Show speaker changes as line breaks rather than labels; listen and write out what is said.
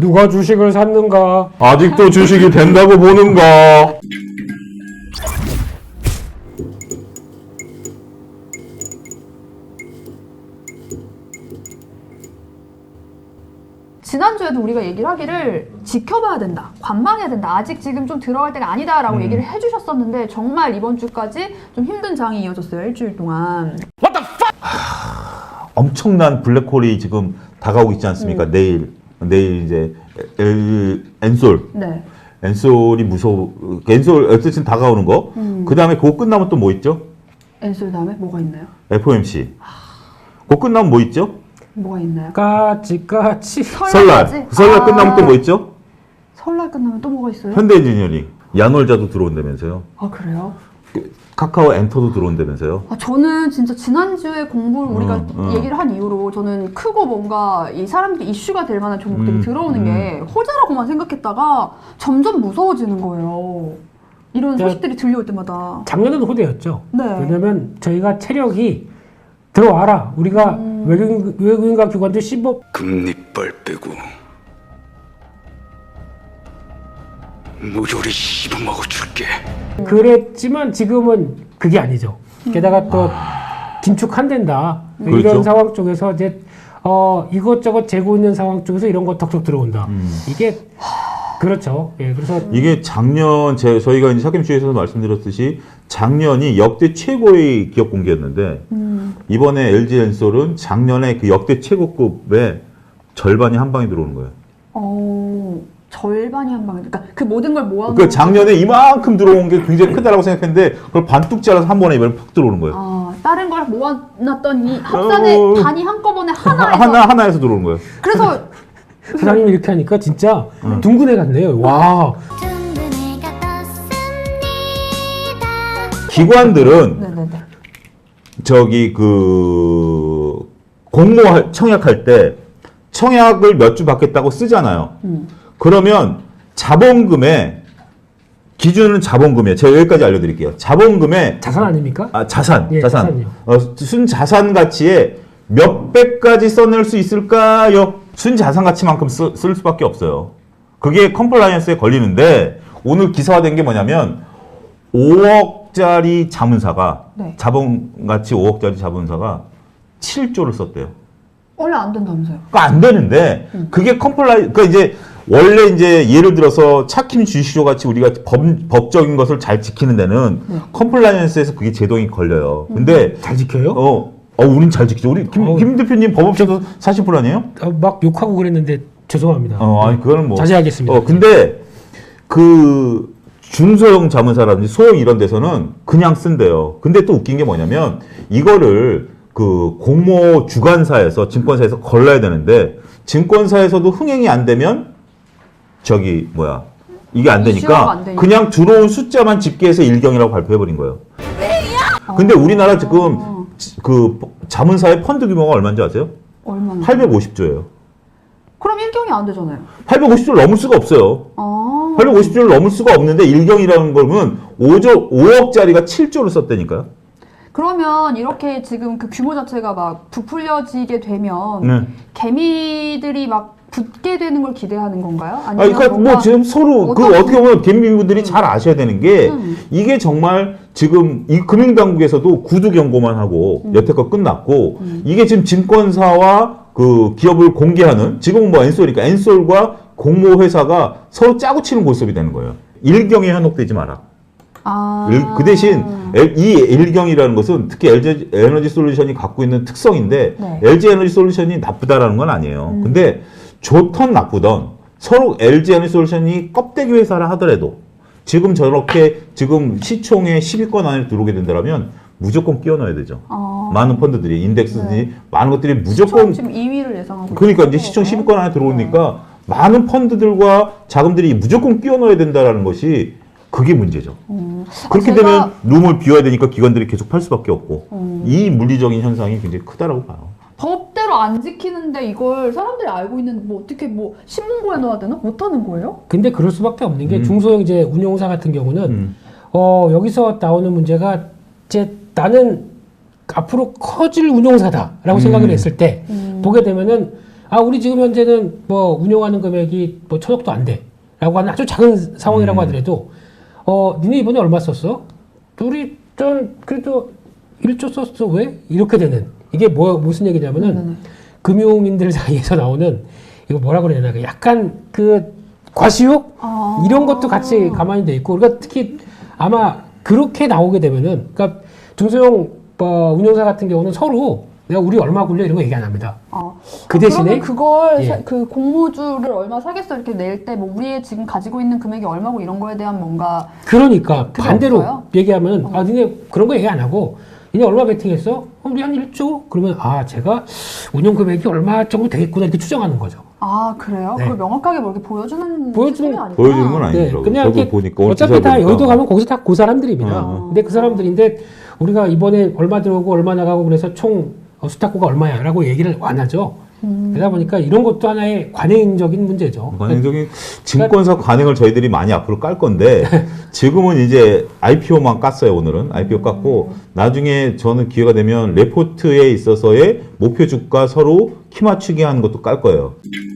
누가 주식을 샀는가?
아직도 주식이 된다고 보는가?
지난주에도 우리가 얘기를 하기를 지켜봐야 된다, 관망해야 된다, 아직 지금 좀 들어갈 때가 아니다라고 얘기를 해주셨었는데 정말 이번 주까지 좀 힘든 장이 이어졌어요. 일주일 동안.
엄청난 블랙홀이 지금 다가오고 있지 않습니까? 내일 이제 엔솔.
네.
엔솔이 무서워. 엔솔 어쨌든 다가오는 거. 그 다음에 그거 끝나면 또 뭐 있죠?
엔솔 다음에 뭐가 있나요?
FOMC. 그거 끝나면 뭐 있죠?
뭐가 있나요?
까치.
설날. 설날 끝나면 또 뭐 있죠?
설날 끝나면 또 뭐가 있어요?
현대인지니어링. 야놀자도 들어온다면서요.
아 그래요?
카카오 엔터도 들어온다면서요.
아, 저는 진짜 지난주에 공부를 우리가 얘기를 한 이후로 저는 크고 뭔가 이 사람들이 이슈가 될 만한 종목들이 들어오는 게 호재라고만 생각했다가 점점 무서워지는 거예요. 이런 소식들이 들려올 때마다.
작년에도 호재였죠.
네.
왜냐면 저희가 체력이 들어와라. 우리가 외국인과 기관들 15
금리빨 빼고 무조리 씹어먹어 줄게.
그랬지만 지금은 그게 아니죠. 게다가 또 긴축한댄다.
그렇죠.
이런 상황 쪽에서 이제 이것저것 재고 있는 상황 쪽에서 이런 거 덕적 들어온다. 이게 그렇죠. 예, 그래서
이게 작년 저희가 이제 샤김주에서도 말씀드렸듯이 작년이 역대 최고의 기업 공개였는데 이번에 LG 엔솔은 작년에 그 역대 최고급의 절반이 한 방에 들어오는 거예요.
절반이 한 방에. 그러니까 그 모든 걸 모아놓은.
그 작년에 이만큼 들어온 게 굉장히 크다라고 생각했는데 그걸 반뚝 잘라서 한 번에 이번에 푹 들어오는 거예요.
아, 다른 걸 모아놨더니 합산의 단이 한꺼번에 하나에서.
하나에서 들어오는 거예요.
그래서
사장님이 이렇게 하니까 진짜 둥근 애 같네요. 와.
기관들은
네네네.
저기 그 공모 청약할 때 청약을 몇 주 받겠다고 쓰잖아요. 그러면 자본금의 기준은 자본금이에요. 제가 여기까지 알려드릴게요. 자본금의
자산 아닙니까?
자산,
예,
자산.
자산이요.
순자산 가치에 몇 배까지 써낼 수 있을까요? 순자산 가치만큼 쓸 수밖에 없어요. 그게 컴플라이언스에 걸리는데 오늘 기사화된 게 뭐냐면 5억짜리 자문사가
네.
자본 가치 5억짜리 자문사가 7조를 썼대요.
원래 안 된다면서요?
그러니까 안 되는데 그게 그러니까 이제 원래 이제 예를 들어서 차킴 주시조 같이 우리가 법적인 것을 잘 지키는 데는 컴플라이언스에서 그게 제동이 걸려요. 근데
잘 지켜요?
우린 잘 지키죠. 우리 김 대표님 법업체도 40% 아니에요?
막 욕하고 그랬는데 죄송합니다.
아니 그거는 뭐
자제하겠습니다.
근데 그 중소형 자문사라든지 소형 이런 데서는 그냥 쓴대요. 근데 또 웃긴 게 뭐냐면 이거를 그 공모 주관사에서 증권사에서 걸러야 되는데 증권사에서도 흥행이 안 되면 이게 안 되니까 그냥 들어온 숫자만 집계해서 일경이라고 발표해버린 거예요. 근데 우리나라 지금 그 자문사의 펀드 규모가 얼마인지 아세요?
얼마나?
850조예요.
그럼 일경이 안 되잖아요.
850조를 넘을 수가 없어요. 850조를 넘을 수가 없는데 일경이라는 거는 5억짜리가 7조를 썼다니까요.
그러면 이렇게 지금 그 규모 자체가 막 부풀려지게 되면 개미들이 막 붙게 되는 걸 기대하는 건가요? 아니면
그러니까 뭐 지금 서로 어떻게 보면 개미분들이 잘 아셔야 되는 게 이게 정말 지금 이 금융당국에서도 구두 경고만 하고 여태껏 끝났고 이게 지금 증권사와 그 기업을 공개하는 지금은 뭐 엔솔이니까 엔솔과 공모회사가 서로 짜고 치는 고스톱이 되는 거예요. 일경에 현혹되지 마라. 그 대신 이 일경이라는 것은 특히 LG 에너지 솔루션이 갖고 있는 특성인데 LG 에너지 솔루션이 나쁘다라는 건 아니에요. 근데 좋던 나쁘던 서로 LG 에너지 솔루션이 껍데기 회사라 하더라도 지금 저렇게 지금 시총의 10위권 안에 들어오게 된다면 무조건 끼워 넣어야 되죠. 많은 펀드들이 인덱스든지 많은 것들이 무조건
지금 2위를 예상하고
그러니까 이제 시총 10위권 안에 들어오니까 많은 펀드들과 자금들이 무조건 끼워 넣어야 된다라는 것이 그게 문제죠. 그렇게 되면 룸을 비워야 되니까 기관들이 계속 팔 수밖에 없고 이 물리적인 현상이 굉장히 크다라고 봐요.
법대로 안 지키는데 이걸 사람들이 알고 있는데 뭐 어떻게 뭐 신문고에 넣어야 되나? 못하는 거예요?
근데 그럴 수밖에 없는 게 중소형 이제 운용사 같은 경우는 여기서 나오는 문제가 이제 나는 앞으로 커질 운용사다라고 생각을 했을 때 보게 되면은 우리 지금 현재는 뭐 운영하는 금액이 뭐 1,000억도 안 돼라고 하는 아주 작은 상황이라고 하더라도 니네 이번에 얼마 썼어? 우리 전 그래도 1조 썼어. 왜? 이렇게 되는 이게 무슨 얘기냐면은 금융인들 사이에서 나오는 이거 뭐라 그래야 되나 약간 그 과시욕 이런 것도 같이 가만히 돼 있고 우리가 특히 아마 그렇게 나오게 되면은 그러니까 중소형 운영사 같은 경우는 서로 내가 우리 얼마 굴려 이런 거 얘기 안 합니다. 그 대신에
그걸
예.
그 공모주를 얼마 사겠어 이렇게 낼 때 뭐 우리의 지금 가지고 있는 금액이 얼마고 이런 거에 대한 뭔가
그러니까
그게
반대로
없어요?
얘기하면 니네 그런 거 얘기 안 하고 니네 얼마 베팅했어? 우리 한 1조? 그러면 제가 운영 금액이 얼마 정도 되겠구나 이렇게 추정하는 거죠.
그래요?
네.
그걸 명확하게 뭐 이렇게 보여주는
보여주는-
시스템이 아니구나.
보여주는 건 아니더라고요.
그냥
저도
이렇게
보니까 오늘
어차피
기사
다
보니까.
여의도 가면 거기서 다 그 사람들입니다.
어.
근데 그 사람들인데 우리가 이번에 얼마 들어오고 얼마 나가고 그래서 총 수탁고가 얼마야라고 얘기를 안 하죠. 그러다 보니까 이런 것도 하나의 관행적인 문제죠.
관행적인 증권사 관행을 저희들이 많이 앞으로 깔 건데 지금은 이제 IPO만 깠어요. 오늘은 IPO 깠고 나중에 저는 기회가 되면 레포트에 있어서의 목표 주가 서로 키 맞추기 하는 것도 깔 거예요.